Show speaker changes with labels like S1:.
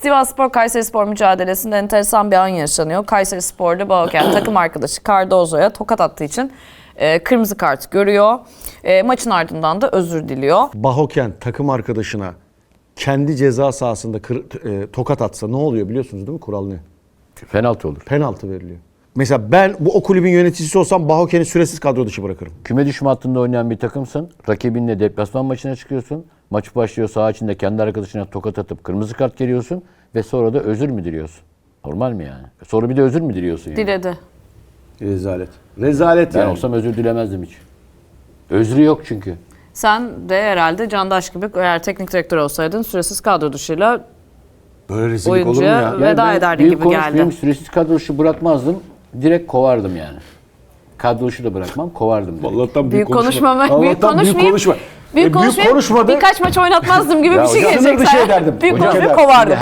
S1: Sivasspor Kayserispor mücadelesinde enteresan bir an yaşanıyor. Kayserispor'da Bahoken takım arkadaşı Cardozo'ya tokat attığı için kırmızı kart görüyor. Maçın ardından da özür diliyor.
S2: Bahoken takım arkadaşına kendi ceza sahasında tokat atsa ne oluyor biliyorsunuz değil mi? Kural ne?
S3: Penaltı olur.
S2: Penaltı veriliyor. Mesela ben o kulübün yöneticisi olsam Bahoken'i süresiz kadro dışı bırakırım.
S3: Küme düşme hattında oynayan bir takımsın. Rakibinle deplasman maçına çıkıyorsun. Maç başlıyor, saha içinde kendi arkadaşına tokat atıp kırmızı kart geliyorsun ve sonra da özür mü diliyorsun? Normal mi yani? Sonra bir de özür mü diliyorsun yani?
S1: Diledi.
S2: Rezalet. Rezalet
S3: Ben
S2: yani.
S3: olsam özür dilemezdim hiç. Özrü yok çünkü.
S1: Sen de herhalde Candaş gibi eğer teknik direktör olsaydın süresiz kadro dışıyla
S2: Böyle rezillik olur mu
S1: oyuncuya
S2: ya?
S1: veda
S3: ben
S1: ederdi
S3: büyük
S1: gibi
S3: konuşmayayım,
S1: geldi.
S3: süresiz kadro dışı bırakmazdım. Direkt kovardım yani. Kadro dışı da bırakmam, kovardım direkt.
S2: Allah'tan
S1: Büyük konuşma. Büyük
S2: Allah'tan büyük
S1: konuşmayayım.
S2: konuşma.
S1: Büyük konuşmayayım.
S2: konuşmadı.
S1: Birkaç maç oynatmazdım gibi
S3: Ya
S1: bir şey
S3: hocam,
S1: gelecek.
S3: sınır dışı ederdim.
S1: Büyük
S3: Hocam,
S1: konuşmayıp kovardım.